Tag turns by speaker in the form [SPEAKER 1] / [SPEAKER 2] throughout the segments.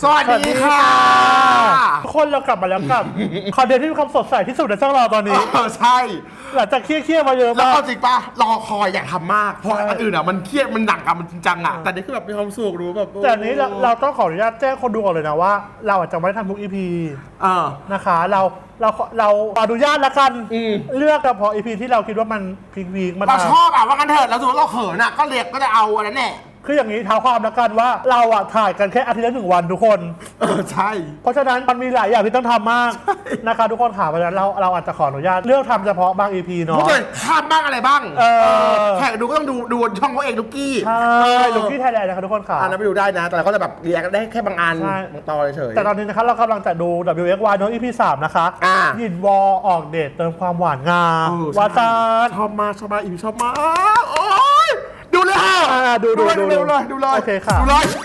[SPEAKER 1] สวัสดีค่ะ
[SPEAKER 2] ทุกคนเรากลับมาแล้วกับคอนเทนต์ที่มีความสดใสที่สุดในช่องเราตอนนี้
[SPEAKER 1] ใช่
[SPEAKER 2] หลังจากเครียดมาเยอะ
[SPEAKER 1] แล้ว
[SPEAKER 2] มาก
[SPEAKER 1] เอาจริงปะรอคอยอยากทำมากเพราะอันอื่นอ่ะมันเครียดมันหนักอะมันจริงจังอะแต่นี่คือแบบมีความสุขรู้แบบ
[SPEAKER 2] แต่อันนี้เราต้องขออนุญาตแจ้งคนดูก่อนเลยนะว่า เราอาจจะไม่ได้ทำทุก EP นะคะเราอนุญาตละกันเลือกเฉพาะ EP ที่เราคิดว่ามันพีคๆมา
[SPEAKER 1] เราชอบอะว่ากันเถิดเราถือว่าเราเขินอะก็เรียกก็จะเอาอันนั้นแหละ
[SPEAKER 2] คืออย่างนี้เท้าความละกันว่าเราอะถ่ายกันแค่อาทิตย์ละ1 วันทุกคน
[SPEAKER 1] ใช่
[SPEAKER 2] เพราะฉะนั้นมันมีหลายอย่างที่ต้องทำมากนะคะทุกคนค่ะเพราะฉะนั้นเราอาจจะขออนุญาตเลือกทำเฉพาะบาง EP เนาะ
[SPEAKER 1] พูดเลยข้ามบ้างอะไรบ้างแขกดูก็ต้องดูช่องเขาเองลูกกี้
[SPEAKER 2] ใช่ลูกกี้ไทยแลนด์นะคะทุกคนค่ะ
[SPEAKER 1] อันนั้นไปดูได้นะแต่เราก็จะแบบเรียกได้แค่บางอัน
[SPEAKER 2] ใช่
[SPEAKER 1] บางตอนเฉย
[SPEAKER 2] แต่ตอนนี้นะคะเรากำลังจะดู WXY เนาะ EP 3 นะคะยินวอออกเดทเติมความหวานงาวาซาน
[SPEAKER 1] ชอบมากอีชอบมากโอ้ยดูเลยค่ะ
[SPEAKER 2] ดูเลย
[SPEAKER 1] โอเคค่ะดูเลย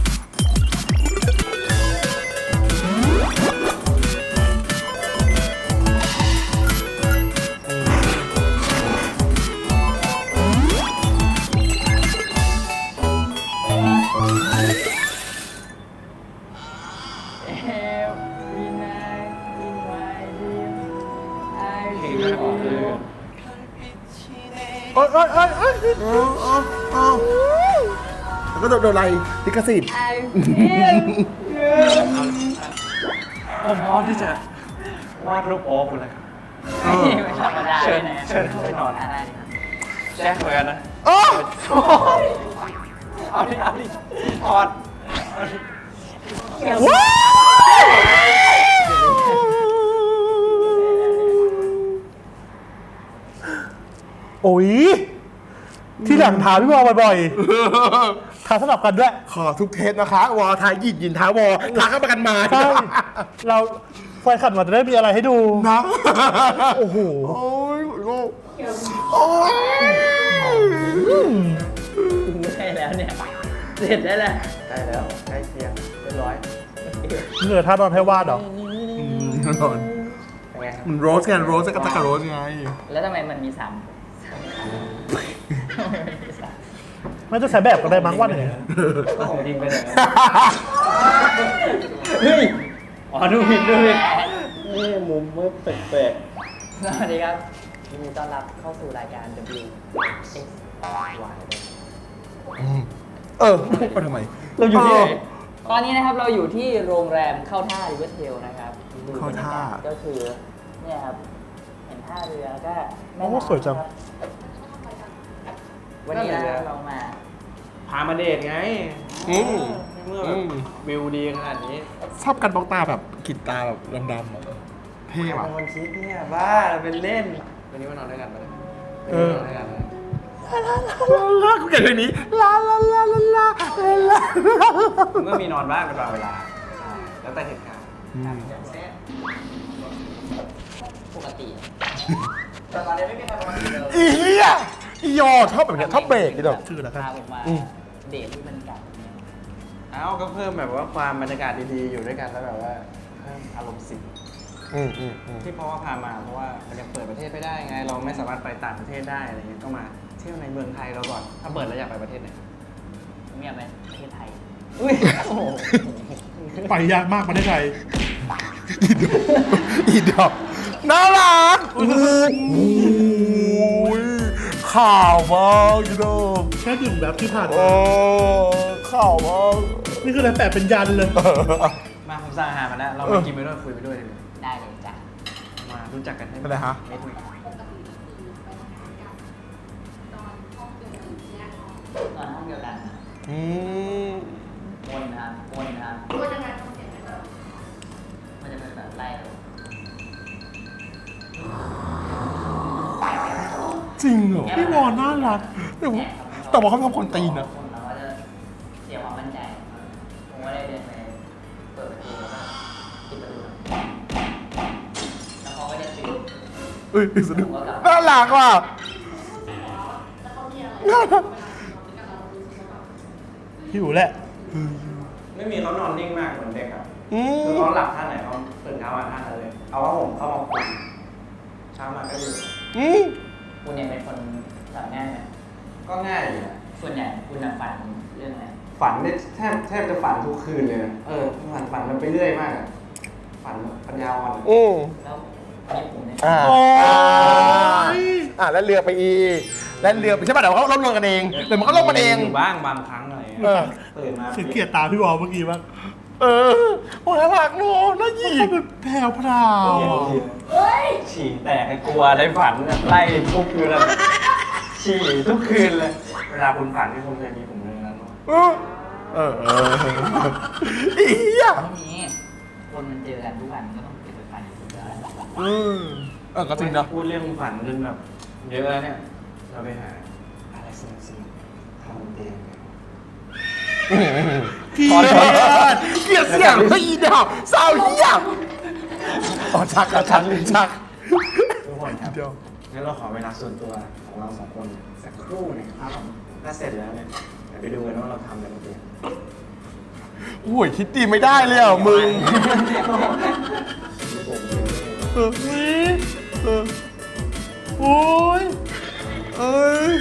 [SPEAKER 2] เอ้ย
[SPEAKER 1] แล้วก็โดนอะไรลิขสิทธิ์
[SPEAKER 3] ผมพร้อมที่จะวาดรูปโอ๊คคุณเลยครับ
[SPEAKER 4] ไม่ธรรมดา
[SPEAKER 3] เชิญเข้าไปนอน
[SPEAKER 4] อะไร
[SPEAKER 3] แจ้งเหมือนกันนะ เอาดิถอด
[SPEAKER 2] โอ้ยที่หลังถามพี่วอบ่อยๆถามสลับกันด้วย
[SPEAKER 1] ขอทุกเทสนะคะวอทายยินท้าวอท้าเข้าประกันมา
[SPEAKER 2] ใช่เราไฟขัดมาจะได้มีอะไรให้ดู
[SPEAKER 1] นะ
[SPEAKER 2] โอ้โห
[SPEAKER 1] โอ้ยโอ้ย
[SPEAKER 4] ใช่แล้วเนี่ย เสร็จได้แล้ว
[SPEAKER 3] ใกล้แล้วใกล้เคียงเรียบร้อย
[SPEAKER 2] เหนื่อยท่านอนให้วาดเหรอ
[SPEAKER 1] แน่นอน
[SPEAKER 3] เป็นไงครับ
[SPEAKER 1] มันโรสไงโรสกับตะกะโรสไง
[SPEAKER 4] แล้วทำไมมันมีสาม
[SPEAKER 2] ไม่ต้องใช้แบบก็ได้มั้งว่าอย่างไง
[SPEAKER 3] ของจริงไปเลยเฮ้ยอ๋อดูผิดนี่มุมมืดแปลก
[SPEAKER 4] สวัสดีครับยินดีต้อนรับเข้าสู่รายการ W X Y
[SPEAKER 1] ไปทำไม
[SPEAKER 3] ๆเราอยู่ที่ไหน
[SPEAKER 4] ตอนนี้นะครับเราอยู่ที่โรงแรมเข้าท่าริเวอร์เทลนะครับดู
[SPEAKER 1] เข้าท่า
[SPEAKER 4] บรรยกศก็คือเนี่ยครับเห็นท่าเรือแล้วก็แม่
[SPEAKER 2] โอ้
[SPEAKER 4] น้ำ
[SPEAKER 2] สวยจัง
[SPEAKER 4] ครับวันนี้นะครับเรามา
[SPEAKER 3] พามาเดทไง เมื่อแบบวิวดีขนาดนี้
[SPEAKER 1] ชอบกันบล็อกตาแบบกรีดตาแบบดำๆอะเท่ว่ะ
[SPEAKER 3] เป็นคนคิดเนี่ยบ้าเป็นเล่น วันนี้มานอนด้วยกันปะเนี่ยนอนด้วยกันเลย
[SPEAKER 1] ลากูเกลียดเพลงนี้ลาลาลาลาลาลา
[SPEAKER 3] มันก็มีนอนบ้างเป็นบางเวลา แล้วแต่เหตุการณ์
[SPEAKER 4] ปกติแต่ตอนนี้ไม่มีใครมาเลย
[SPEAKER 1] อีเหี้ยอียอชอบแบบเนี้ยชอบเบรกนี่ดอกชื่อแล้วกัน
[SPEAKER 4] พาผมมาเดทที่บรรยากาศแบบนี้
[SPEAKER 3] เอ้าก็เพิ่มแบบว่าความบรรยากาศดีๆอยู่ด้วยกันแล้วแบบว่าเพิ่มอารมณ์สิที่เพราะว่าพามาเพราะว่ามันยังเปิดประเทศไม่ได้ไง เราไม่สามารถไปต่างประเทศได้อะไรเงี้ยก็มาเที่ยวในเมืองไทยเราก่อน ถ้าเปิดแล้วอยากไปประเทศไหน
[SPEAKER 4] ผมอยากไปประเทศไทย
[SPEAKER 3] อุ้ยโอ้โห
[SPEAKER 2] ไปยากมากประเทศไทย
[SPEAKER 1] อีดอกน่ารักโอ้ยข่าวมากอีดอก
[SPEAKER 2] แค่ดื่มแบบที่ผ่าน
[SPEAKER 1] โอ้ข่าวมาก
[SPEAKER 2] นี่คืออะไรแปะเป็นยันเลย
[SPEAKER 3] มาผมสั่งอาหารมาแล้ว เราไปกินไปด้วยคุยไปด้วยดีกว่า
[SPEAKER 4] ได้เลยจ้ะ
[SPEAKER 3] มารู้จักกันให้
[SPEAKER 1] เป็นไรฮะ
[SPEAKER 3] นิดนึง
[SPEAKER 4] ตอนห้องเดียวกัน วนนะครับวนยังไงมันจะเป็นแบบไล่
[SPEAKER 1] จริงเหรอ
[SPEAKER 2] พี่วอน่ารัก
[SPEAKER 1] แต่ว่าเขาทำคนตีนนะ
[SPEAKER 4] คนเราก็จะเสียความมั่นใจผมก็เลยเดินไปเปิดประตูแล้วก็ปิดประตูแล้วเขาก็จะตื่น
[SPEAKER 1] เอ้ยสนุกน่ารักว่ะน่ารัก
[SPEAKER 2] หิวแหละ
[SPEAKER 3] ไม่มีเขานอนนิ่งมากเหมือนเด็กอ่ะคือเขาหลับท่าไหนเขาตื่นเช้ามาท่านั้นเลย เอาว่าผมเข้ามาคุยเช้ามาก็อยู่
[SPEAKER 4] คุณเนี่ยเป็นคนทำง่ายไหม
[SPEAKER 3] ก็ง่ายอยู่นะ
[SPEAKER 4] ส่วนใหญ่คุณน่ะฝันเรื่องอะไร
[SPEAKER 3] ฝันได้แทบจะฝันทุกคืนเลยนะฝันมันไปเรื่อยมากอะฝันปัญญาอ่อน
[SPEAKER 4] แล้วญี่ปุ่นเนี่ย
[SPEAKER 2] โอ้ย
[SPEAKER 1] แล้วเรือไปอีกแล้วเรือไปใช่ป่ะเดี๋ยวเขาลงกันเองเดี๋ยวมันก็ลงกันเอง
[SPEAKER 3] อยู่บ้างบางครั้งอะไรเงี้ยตื่นมา
[SPEAKER 2] ฉันเกลียดตาพี่วอลเมื่อกี้บ้าง
[SPEAKER 1] โอ้ยน่ารักเนอะน่าหยิก
[SPEAKER 2] มันแผ่วพราว
[SPEAKER 3] ฉี่แตกให้กลัวได้ฝันไล่ทุกคืนเลยฉี่ทุกคืนเลย เวลาคุณฝันที่คุณเคยมีผมเลยนั้น
[SPEAKER 1] อีอ่ะ
[SPEAKER 4] ไม่มีคนมันเจอกันทุกวันก็ต้องเก็บไปฝันอยู่แล้ว
[SPEAKER 1] ก็จริงเนาะ
[SPEAKER 3] พูดเรื่องฝันจนแบบเยอะแล้วเนี่ย เราไปหาอะไรสิ่งทำบนเตียงกัน
[SPEAKER 1] เกลียดเสียงพี่อีดาวสาวเหี้ยชัก
[SPEAKER 3] ทุกคนครับงั้นเราขอเวลาส่วนตัวของเราสองคนสักครู่นะครับถ้าเสร็จแล้วเนี่ยเดี๋ยวไปดูกันว่าเราทำอะไรบนเตียง
[SPEAKER 1] โอ้ยคิดดีไม่ได้เลยอ่ะมึง
[SPEAKER 2] โอ้ย
[SPEAKER 1] เอ้ย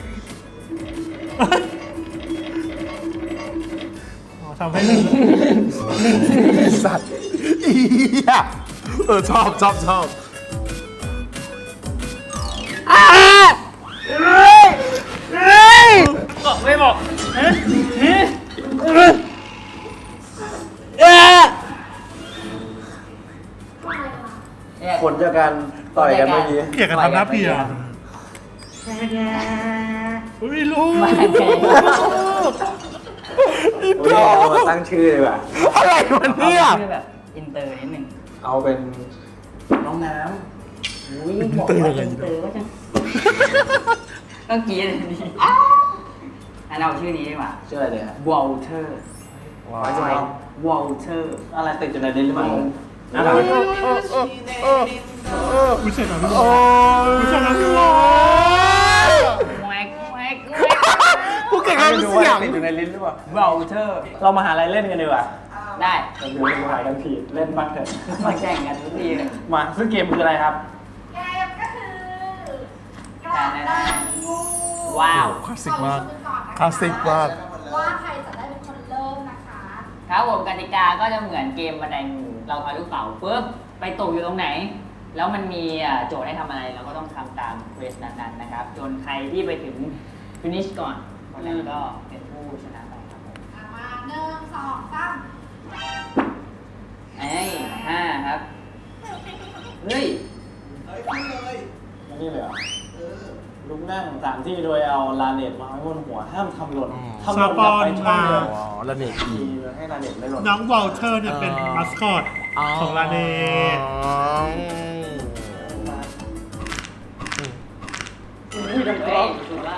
[SPEAKER 2] ทำให้ลืม
[SPEAKER 1] สัตว์อีอ่ะชอบ
[SPEAKER 4] บอกไม่บอก
[SPEAKER 3] ผลจากการต่อยกันเมื่อกี้
[SPEAKER 2] เกลียดกันทำหน้าเพียอุ้ยลูก
[SPEAKER 3] เรามาตั้งชื่อเลยว่ะ
[SPEAKER 1] อะไรวะเนี่ย
[SPEAKER 4] ชื่อแบบอินเตอร์นิดนึง
[SPEAKER 3] เอาเป็นน้องน้ำ
[SPEAKER 4] อุ้ยบอกว่าอินเตอร์ก็จะต้องกรีดดีอันเราชื่อนี้ดีกว่า
[SPEAKER 3] ชื่ออะไรเนี่ย
[SPEAKER 4] วอลเทอร์
[SPEAKER 3] ว้าว
[SPEAKER 4] วอลเทอร์
[SPEAKER 3] อะไรติดอยู่ในลิ้นหรือเปล่า
[SPEAKER 2] อุ้ยเสร็จแล้วพี่ว
[SPEAKER 1] โอ้
[SPEAKER 2] อล
[SPEAKER 1] ย
[SPEAKER 2] อุ้ยเสร็จแล้วพี่วอล
[SPEAKER 4] แวก
[SPEAKER 1] กูเก่งทำเสียง
[SPEAKER 3] ติดอยู่ในลิ้นหรือเปล่า
[SPEAKER 4] วอลเทอร์
[SPEAKER 3] เรามาหาอะไรเล่นกันดีกว่า
[SPEAKER 4] ได้
[SPEAKER 3] เราดูเราหากันผิดเล่นบ้างเถอะ
[SPEAKER 4] มาแข่งกันทุกทีเลย
[SPEAKER 3] มาซึ่งเกมคืออะไรครับ
[SPEAKER 5] เกมก็คือการได้งู
[SPEAKER 4] ว้าว
[SPEAKER 1] คลาสสิกมาก
[SPEAKER 5] ก่อนนะคะ
[SPEAKER 1] คลาสสิกมาก
[SPEAKER 5] ว่าใครจะได้เป็นคนเริ่มนะคะ
[SPEAKER 4] ครับผมกติกาก็จะเหมือนเกมบันไดงูเราเอาลูกเต๋าปุ๊บไปตกอยู่ตรงไหน แล้วมันมีโจทย์ให้ทำอะไรเราก็ต้องทำตามเควสนั้นๆนะครับจนใครที่ไปถึงฟินิชก่อนคนนั้นก็เป็นผู้ชนะไปครับผม
[SPEAKER 5] มา1 2 3
[SPEAKER 4] ไอ้5ครับเฮ้ย
[SPEAKER 3] นี่เลยเหรอลุกนั่ง3ที่โดยเอาลาเน็ตวางไว้บนหัวห้ามทำหล่นทำหล่นกลับไปช่องเดิม
[SPEAKER 1] อ๋อแล้วเนี่ยอี
[SPEAKER 3] ให้ลาเน็ตไม่หล่น
[SPEAKER 2] น้องวอลเทอร์เนี่ยเป็นมาสคอตของลาเน
[SPEAKER 4] เฮ้ยถูกแล้ว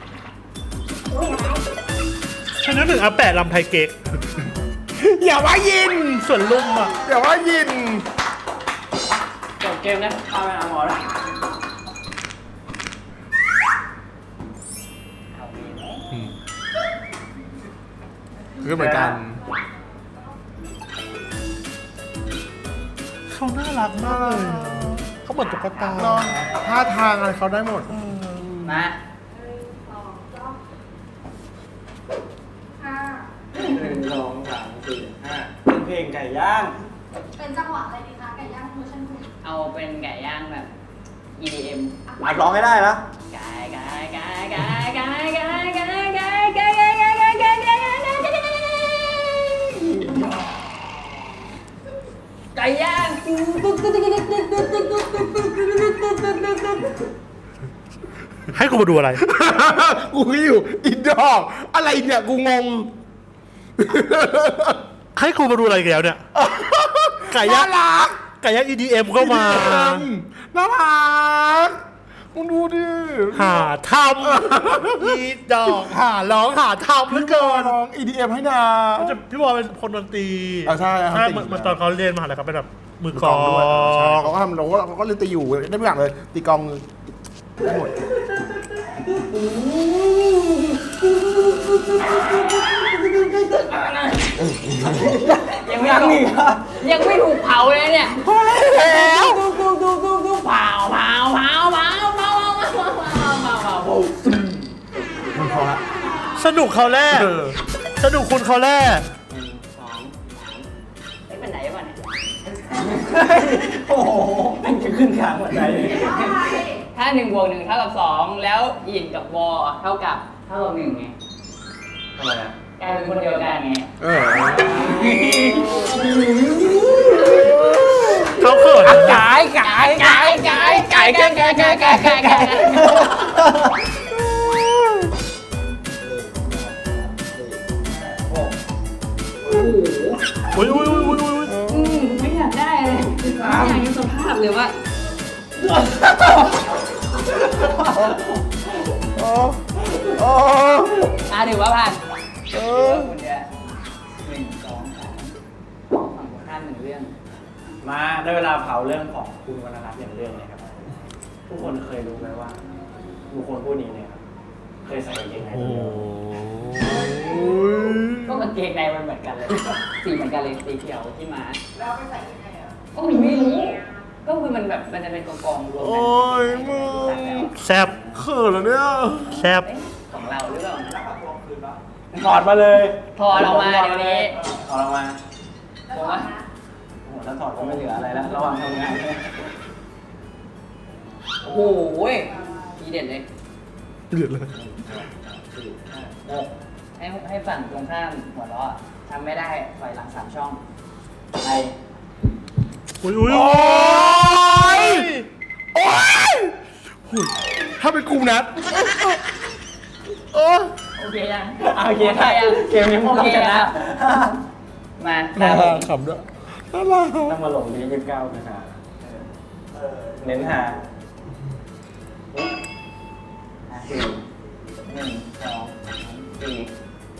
[SPEAKER 2] ฉันนึกถึงอาแปะลำไทยเก๊ก
[SPEAKER 1] อย่าว่ายิน
[SPEAKER 2] ส่วนลุ่มอ่ะ
[SPEAKER 1] อย่าว่ายิน
[SPEAKER 3] จบเกมนะเข้าไปหาหมอแล้ว
[SPEAKER 4] เอาดีไหม
[SPEAKER 1] คือเหมือนกัน
[SPEAKER 2] เขาน่ารักมากเลยอะเขาเหมือนตุ๊กตา
[SPEAKER 1] เนาะท่าทางอะไรเขาได้หมด
[SPEAKER 4] มา
[SPEAKER 5] 5
[SPEAKER 3] 1 2 3 4 5เป็นเพลงไก่ย่าง
[SPEAKER 5] เป็นจังหวะอะไรดีคะไก่ย่างเวอร์ชันคุณ
[SPEAKER 4] เอาเป็นไก่ย่างแบบ EDM
[SPEAKER 3] อัดร้องให้ได้นะ
[SPEAKER 4] ไก่ไก่ไก่ไก่ไก่ไก่ไก่ไก่ไก่ไก่ไก่ไก่ไก่ไก่ไก่ย่าง
[SPEAKER 2] ให้กูมาดูอะไร
[SPEAKER 1] กูก็อยู่อีดอกอะไรเนี่ยกูงง
[SPEAKER 2] ให้กูมาดูอะไรอีกแล้วเนี่ย ไก่ย่าง
[SPEAKER 1] น่ารัก
[SPEAKER 2] ไก่ย่าง EDM ก็มา
[SPEAKER 1] น่ารักมึงดูดิ
[SPEAKER 2] หาทำอีดอกหาร้องหาทำเหลือเกิน
[SPEAKER 1] ร้อง EDM ให้นา
[SPEAKER 2] พี่บอลเป็นคนดนตรี
[SPEAKER 1] ใช่ครับ
[SPEAKER 2] เหมือนตอนเขาเรียนมหาลัยเขาเป็นแบบมือก
[SPEAKER 1] ก
[SPEAKER 2] ล
[SPEAKER 1] อ
[SPEAKER 2] อง ง
[SPEAKER 1] ด้วยใช่เขาก็ทำเขาก็เล่นตีอยู่ได้ทุกอย่างเลย ตีกลองได้หมด
[SPEAKER 4] ยังไม่ถูกยังไม่ถูกเผาเลยเนี่ยพอแล้วเผา
[SPEAKER 1] มันพอละ
[SPEAKER 2] สนุกเขาแรก
[SPEAKER 1] เออ
[SPEAKER 2] จะดูคุณเขาแร่
[SPEAKER 4] 1 2 3เอ้ยเป็นไหนวะเนี่ย
[SPEAKER 3] โอ้โหมันจะขึ้นขางหัวใจเลย
[SPEAKER 4] ถ้า1 บวก 1 เท่ากับ 2 แล้วอินกับวอเท่ากับ1ไง
[SPEAKER 3] ทำไมอ่ะ
[SPEAKER 4] กลายเป็นคนเดียวกันไง
[SPEAKER 2] เขาเขิน
[SPEAKER 3] กาย
[SPEAKER 2] อุ้ย
[SPEAKER 4] ไม่อยากได้เลยไม่อยากยังสภาพเลยว่าถือว่าผ่านคุณจะ1 2 3ฝั่งตรงข้าม1 เรื่อง
[SPEAKER 3] มาได้เวลาเผาเรื่องของคุณวรรณรัตน์อย่างเรื่องเลยครับทุกคนเคยรู้ไหมว่าบุคคลผู้นี้เนี่ยครับเคยใส่กางเกงในตัวเดียว
[SPEAKER 4] ก็กางเกงในมันเหมือนกันเลย สีเหมือนกันเลยสีเขียวที่มาแล้วไปใส่ยังไงอ่ะก็มีไม่รู้ ก็คือมันแบบมันจะเป็นกองรวมกัน
[SPEAKER 1] โอ้ยมึง
[SPEAKER 4] ตัดแล้ว
[SPEAKER 2] แซ่บ
[SPEAKER 1] เขินแล้วเนี่ย
[SPEAKER 2] แซ่บ
[SPEAKER 4] เอ๊ะของเราหรือเปล่านะ
[SPEAKER 3] ถอดมาเลย
[SPEAKER 4] ถอดออกมาเดี๋ยวนี้
[SPEAKER 3] ถอดออกมา
[SPEAKER 4] ผมว่า
[SPEAKER 3] โอ้โหถ้าถอดก็ไม่เหลืออะไรแล้วระหว่างทำงาน
[SPEAKER 4] โอ้โหทีเด็ดเลย
[SPEAKER 1] เดือดเลย
[SPEAKER 4] ให้ฝั่งตรงข้ามหัวเราะทำไม่ได้ถอยหลัง3 ช่องไป
[SPEAKER 2] อุ้ย
[SPEAKER 1] โอ้ยถ้าเป็นกูนัดโอ้
[SPEAKER 4] โอเคยัง
[SPEAKER 3] โอเคได้เกมนี้ผมต้องชนะ
[SPEAKER 4] มา
[SPEAKER 1] น่า
[SPEAKER 4] ได้
[SPEAKER 1] รักขำด้วยน่ารัก
[SPEAKER 3] ต้องมาลงที่29นะฮะเน้นหา
[SPEAKER 4] 4 1 2 3 4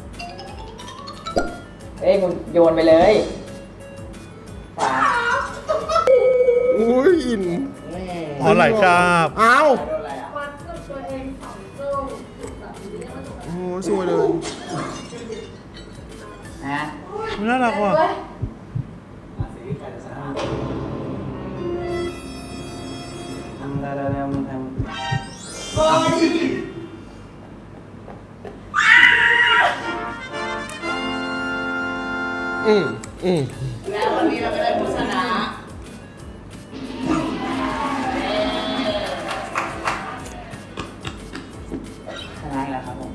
[SPEAKER 4] เอ้ยคุณโยนไปเลยขวา
[SPEAKER 1] อุ้ยอิน
[SPEAKER 2] อ๋อไหลกราบ
[SPEAKER 1] อ้าว
[SPEAKER 4] โดนอะไรอ่ะ
[SPEAKER 5] วัดกับตัวเอง2 ตู้จุดแบบนี้มันจะ
[SPEAKER 1] โอ้ยสวยเลย
[SPEAKER 4] นะ
[SPEAKER 2] น่ารักว่ะ
[SPEAKER 3] ทำได้แล้วมันทำ
[SPEAKER 1] อืม
[SPEAKER 5] แล้ววันนี้เราก็ได้ผู้ชนะ
[SPEAKER 4] ชนะอีกแล้วครับผม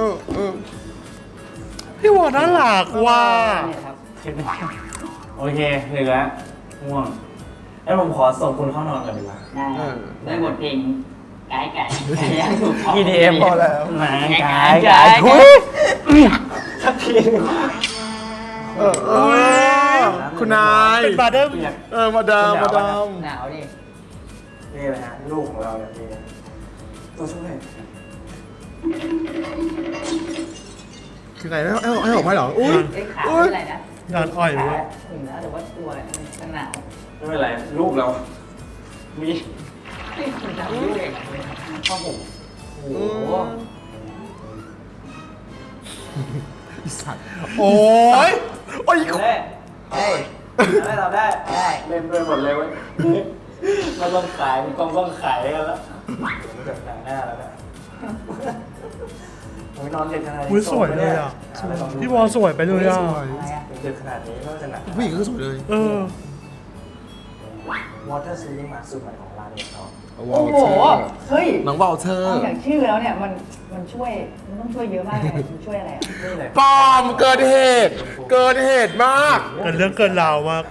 [SPEAKER 2] พี่วอน่ารักว่ะ
[SPEAKER 4] เนี่ยครับ
[SPEAKER 3] โอเคเหลือง่วงแล้วผมขอส่งคุณเข้านอนก่อนดีกว่า
[SPEAKER 4] ได้ได้บทเพลงไก่ไก่ไก่ย่างถูกต้อง
[SPEAKER 3] EDM พอแล้วหมาไก่
[SPEAKER 4] ทุย
[SPEAKER 3] สักทีนึง
[SPEAKER 1] คุณนาย
[SPEAKER 2] เป็นบาร์เดอร์
[SPEAKER 1] มาดามมาดาม
[SPEAKER 4] หนาวดิ
[SPEAKER 3] นี่เลยฮะลูกของเราเนี่ยนี่ตัวช่วย
[SPEAKER 1] คือไงให้ออกมาเหรออุ้ย
[SPEAKER 4] ไอ้ขาเป็นอะไรนะ
[SPEAKER 2] งานอ่อย
[SPEAKER 4] ขา
[SPEAKER 2] เว้ย
[SPEAKER 4] ถึงแล้วแต่ว่าตัวมันหนาว
[SPEAKER 3] ไม่เป็นไรลูกเรา มี
[SPEAKER 4] ไม่คุณจำยุ่งเองข้อผมโอ้โห
[SPEAKER 1] สัตว์
[SPEAKER 2] โอ้ย
[SPEAKER 1] โอ้ย
[SPEAKER 3] ได้
[SPEAKER 4] เฮ้ย
[SPEAKER 3] ได้เราได้
[SPEAKER 4] ได้
[SPEAKER 3] เล่นด้วยหมดเลยเว้ยมันต้องขายมันต้องขายกันแล้วมันแบบหนังหน้าแล้วเนี่ยโอ้ยนอนเด็กขนาดนี้
[SPEAKER 2] อุ้ยสวยเลยอ่ะ พี่วอสวยไปเลยอ่ะ
[SPEAKER 4] อะไรอ่ะ
[SPEAKER 3] เด็กขนาดนี้ไม่ว่าจะหนัก
[SPEAKER 1] ผู้หญิงก็สวยเลย
[SPEAKER 2] เออ
[SPEAKER 3] วอเตอร์ซีลิงมาสูตรใหม่ของร้านเนี่ยเขา
[SPEAKER 4] โอ้โหเฮ้ย
[SPEAKER 1] น้องวอลเทอร์
[SPEAKER 4] อย่างชื่อแล้วเนี่ยมันช่วยมันต้องช่วยเยอะมากเลยมันช่วยอะไรอ่ะ
[SPEAKER 3] นี่เลย
[SPEAKER 1] ปอมเกินเหตุมาก
[SPEAKER 2] เกินเรื่องเกินราวมาก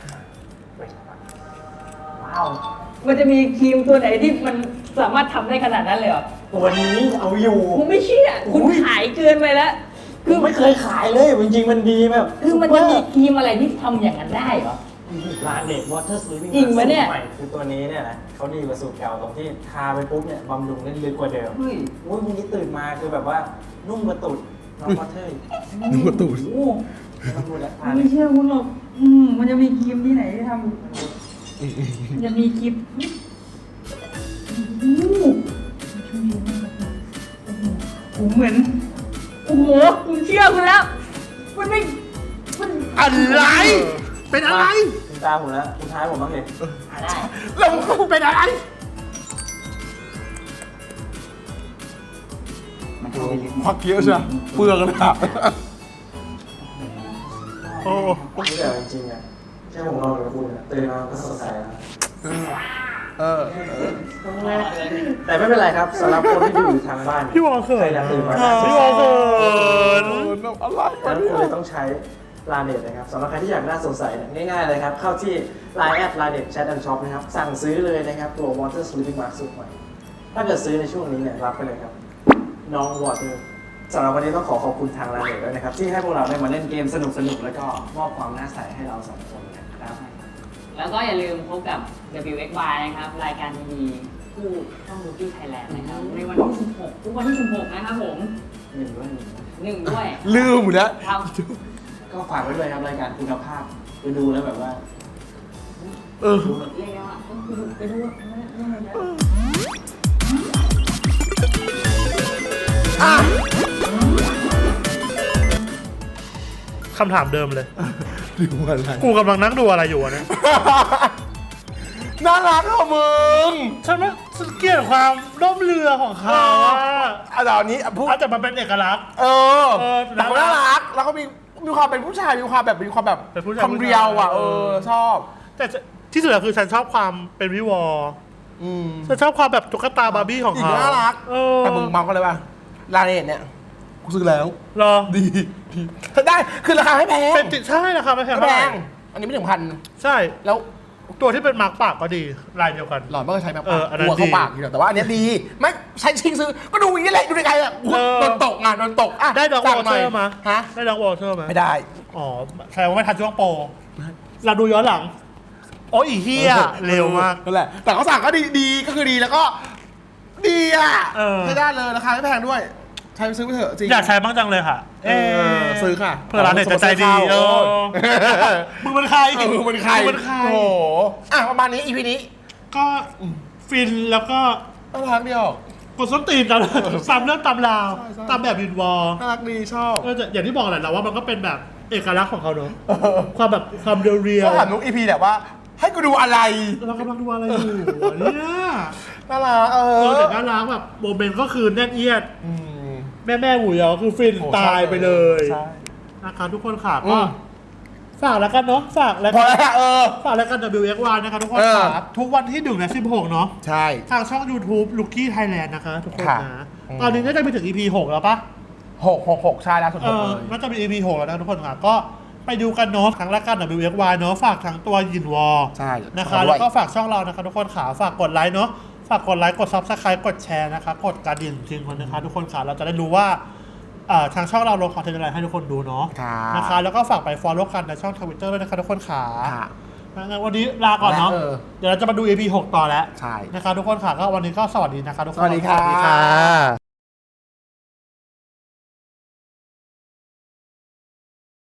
[SPEAKER 3] ว้าว
[SPEAKER 4] มันจะมีครีมตัวไหนที่มันสามารถทำได้ขนาดนั้นเลยเหรอ
[SPEAKER 3] ตัวนี้เอาอยู่
[SPEAKER 4] ผมไม่เชื่อคุณขายเกินไปแล้ว
[SPEAKER 3] คือไม่เคยขายเลยจริงๆมันดีแบบ
[SPEAKER 4] คือมันจะมีครีมอะไรที่ทำอย่างนั้นได้เหรอ
[SPEAKER 3] ร้านเด็กวอเตอร์ซีลิง
[SPEAKER 4] จริงปะเนี่ย
[SPEAKER 3] ใหม่คือตัวนี้เนี่ยนะเขาดีกว่าสูตรเก่าตรงที่ทาไปปุ๊บเนี่ยบำรุงได้ลึกกว่าเดิม
[SPEAKER 4] เฮ้ย
[SPEAKER 3] โอ้ยวันนี้ตื่นมาคือแบบว่านุ่มกระตุดน้องวอเตอร์
[SPEAKER 1] นึกว่าตูด
[SPEAKER 4] โอ้
[SPEAKER 3] ไม่ต้องพูดแล้วทา
[SPEAKER 4] ไม่
[SPEAKER 3] เลย
[SPEAKER 4] เชื่อคุณหรอกมันจะมีครีมที่ไหนที่ทำมันจะมีครีมผมเหมือนโอ้โหผมเชื่อคุณแล้วมันไม่มัน
[SPEAKER 1] อะไร เป็นอะไร
[SPEAKER 3] คุณตาผมแล้วคุณท้ายผมบ้างเลย
[SPEAKER 4] ได้
[SPEAKER 1] เราเป็นอะไร
[SPEAKER 4] มันเข้าไปลึก
[SPEAKER 1] พักเยอะใช่ไหมเปลืองนะ
[SPEAKER 2] โอ้
[SPEAKER 3] นี่แต่จริงๆอ่ะแค่ผมนอนกับคุณอ่ะตื่นมาก็สดใสแล้ว แต่ไม่เป็นไรครับสำหรับคนที่ดูอยู่ทางบ้าน
[SPEAKER 2] พี่วอลเขิน
[SPEAKER 3] ใครอยากตื่นมา
[SPEAKER 2] พี่วอลเขิน
[SPEAKER 1] อะไร
[SPEAKER 3] ดั
[SPEAKER 1] วะ
[SPEAKER 3] งนั้น
[SPEAKER 1] เนี่
[SPEAKER 3] คุณเลย ยต้องใช้ Line นะครับสำหรับใครที่อยากหน้าสดใสเนี่ยง่ายๆเลยครับ เข้าที่ Line Line Chat and Shop นะครับ สั่งซื้อเลยนะครับ ตัว Water Sleeping Mask สูตรใหม่ ถ้าเกิดซื้อในช่วงนี้เนี่ยรับไปเลยครับ น้อง Water สำหรับวันนี้ต้องขอบคุณทาง Line ด้วยนะครับ ที่ให้พวกเราได้มาเล่นเกมสนุกๆ แล้วก็มอบความน่าใสให้เราสองคนนะครับ
[SPEAKER 4] แล้วก็อย่าลืมพบกับ WXY นะครับ รายการดีๆคู่ช่อง Rookie Thailand นะครับ ในวันที่ 16 ทุกวันที่ 16 นะครับผม
[SPEAKER 3] หนึ่งด้วย
[SPEAKER 4] 1 ด้วย
[SPEAKER 1] ลืมหมดแล้ว
[SPEAKER 4] ท
[SPEAKER 3] ก็ฝากไว้ด้วยครับรายการคุณภาพไปดูแล้วแบบว่า
[SPEAKER 4] ำเรียกได้ว่าไปดู
[SPEAKER 2] คำถามเดิมเลย
[SPEAKER 1] ดูอะไร
[SPEAKER 2] กูกำลังนั่งดูอะไรอยู่อะเนี่ย
[SPEAKER 1] น่ารักอ่ะมึง
[SPEAKER 2] ฉันว่าฉันเกลียดความร่มเรือของเขาอะ
[SPEAKER 1] อ่ะเดี๋ยวอันนี้พูด
[SPEAKER 2] อาจจะมันเป็นเอกลักษณ์
[SPEAKER 1] เออ
[SPEAKER 2] เออ
[SPEAKER 1] แต่ก็น่ารัก แล้วก็มีความเป็นผู้ชาย มีความแบบ
[SPEAKER 2] เป็นผู้ชาย
[SPEAKER 1] ความเรียวอ่ะ
[SPEAKER 2] เออ
[SPEAKER 1] ชอบ
[SPEAKER 2] แต่ที่สุดแล้วคือฉันชอบความเป็นวิวอล
[SPEAKER 1] อืม
[SPEAKER 2] ฉันชอบความแบบตุ๊กตาบาร์บี้ของ
[SPEAKER 1] อีก
[SPEAKER 2] เขา
[SPEAKER 1] น่ารัก
[SPEAKER 2] เออ
[SPEAKER 1] แต่มึงเมากันเลยป่ะลาเนตเนี่ย กูซื้อแล้ว
[SPEAKER 2] เหรอ
[SPEAKER 1] ดีได้ คือราคาไม่แพง
[SPEAKER 2] เป็นติใช่นะคะไม่แพง
[SPEAKER 1] ไม่
[SPEAKER 2] เท่า
[SPEAKER 1] แพ
[SPEAKER 2] ไหร่
[SPEAKER 1] ง อันนี้ไม่ถึงพัน
[SPEAKER 2] ใช่
[SPEAKER 1] แล้ว
[SPEAKER 2] ตัวที่เป็นมาร์กปากก็ดีลายเดียวกัน
[SPEAKER 1] หลอดมันก็ใช้แบบ
[SPEAKER 2] เอออันนั้น
[SPEAKER 1] หัวเข้า
[SPEAKER 2] ดี
[SPEAKER 1] ปากอยู่แต่ว่าอันเนี้ยดี ไม่ใช้ชิงซื้อ ก็ดูอย่างนี้แหละดูในไกลอ่ะ
[SPEAKER 2] เออ
[SPEAKER 1] โดนตกงานโดนตกอ่ะ
[SPEAKER 2] ได้ดอกว
[SPEAKER 1] สั่
[SPEAKER 2] อง
[SPEAKER 1] ห
[SPEAKER 2] เต
[SPEAKER 1] น่
[SPEAKER 2] อย ร์มา
[SPEAKER 1] ฮะ
[SPEAKER 2] ได้ดอกวอเตอร์มา
[SPEAKER 1] ไม่ได้
[SPEAKER 2] อ๋อแสดงว่าไม่ทันช่วงโปรเราดูย้อนหลังโอ้ยอีเฮียเร็วมาก
[SPEAKER 1] นั่นแหละ แต่เขาสั่งก็ดีก็คือดีแล้วก็ ดีอ่ะ
[SPEAKER 2] เออ
[SPEAKER 1] ใช้ได้เลยราคาไม่แพงด้วย ใช้ไปซื้อไปเถอะจริง
[SPEAKER 2] อยากใช้บ้างจังเลยค่ะ
[SPEAKER 1] เออซื้อค่ะ
[SPEAKER 2] เพื่อร้านเน็ตจะใจดีเออมึงเป็นใคร
[SPEAKER 1] เออมึงเป็นใคร
[SPEAKER 2] มึงเป็นใคร
[SPEAKER 1] โอ้โหอ่ะประมาณนี้ EP นี้
[SPEAKER 2] ก็ฟินแล้วก็
[SPEAKER 1] น่ารักเดียว
[SPEAKER 2] กดส้นตีนตามตามเรื่องตามราว
[SPEAKER 1] ใช่ใช่
[SPEAKER 2] ตามแบบวินวอล
[SPEAKER 1] น่ารักดีชอบ
[SPEAKER 2] ก็จะอย่างที่บอกแหละเราว่ามันก็เป็นแบบเอกลักษณ์ของเขาเนอะความแบบความเรียว
[SPEAKER 1] ก็ถามนุก EP แบบว่า ให้กูดูอะไร
[SPEAKER 2] ๆเรากำลังดูอะไรอยู่เนี่ย
[SPEAKER 1] น่ารัก
[SPEAKER 2] แต่น่ารักแบบโมเมนต์ก็คือแน่นเอียด
[SPEAKER 1] อืม
[SPEAKER 2] แม่หมูยอคือฟิน
[SPEAKER 1] โอ้
[SPEAKER 2] ตายไปเลย
[SPEAKER 1] ใช่
[SPEAKER 2] นะคะทุกคนค่ะ
[SPEAKER 1] อื
[SPEAKER 2] ก็
[SPEAKER 1] ม
[SPEAKER 2] ฝากแล้วกันเนาะฝากแล้ว
[SPEAKER 1] พอ
[SPEAKER 2] กัน
[SPEAKER 1] แล้ว
[SPEAKER 2] ฝากแล้วกัน WXY นะคะทุกคน
[SPEAKER 1] เออ
[SPEAKER 2] ค่ะทุกวันที่1และ16เนาะ
[SPEAKER 1] ใช่
[SPEAKER 2] ทางช่อง YouTube Rookie Thailand นะคะทุกคน
[SPEAKER 1] ค่ะ
[SPEAKER 2] นะ
[SPEAKER 1] อืม
[SPEAKER 2] ตอนนี้น่าจะไปถึง EP 6 แล้วปะ
[SPEAKER 1] 6ใช่แล้วสุด
[SPEAKER 2] เอ
[SPEAKER 1] 6
[SPEAKER 2] อ
[SPEAKER 1] เลย
[SPEAKER 2] น่าจะเป็น EP 6 แล้วนะทุกคนค่ะ ก็ไปดูกันเนาะทั้งรายการ WXY เนาะฝากทั้งตัวยินวอล
[SPEAKER 1] ใช่
[SPEAKER 2] นะคะ
[SPEAKER 1] ขอด้วย
[SPEAKER 2] แล้วก็ฝากช่องเรานะคะทุกคนค่ะฝากกดไลค์เนาะฝากกดไลค์กด Subscribe กดแชร์นะคะกดกระดิ่งจริงๆนะคะทุกคนค่ะเราจะได้รู้ว่าทางช่องเราลงคอนเทนต์อะไรให้ทุกคนดูเนาะ
[SPEAKER 1] ค่ะ
[SPEAKER 2] นะคะแล้วก็ฝากไป follow กันในช่อง Twitter ด้วยนะคะทุกคนค่ะ
[SPEAKER 1] ค่ะ
[SPEAKER 2] งั้นวันนี้ลาก่อนเนาะ เดี๋ยวเราจะมาดู EP 6 ต่อแล้ว
[SPEAKER 1] ใช่
[SPEAKER 2] นะคะทุกคนค่ะก็วันนี้ก็สวัสดีนะคะทุกคน
[SPEAKER 1] สวัสดีค่ะ
[SPEAKER 2] สวัสดีค่ะ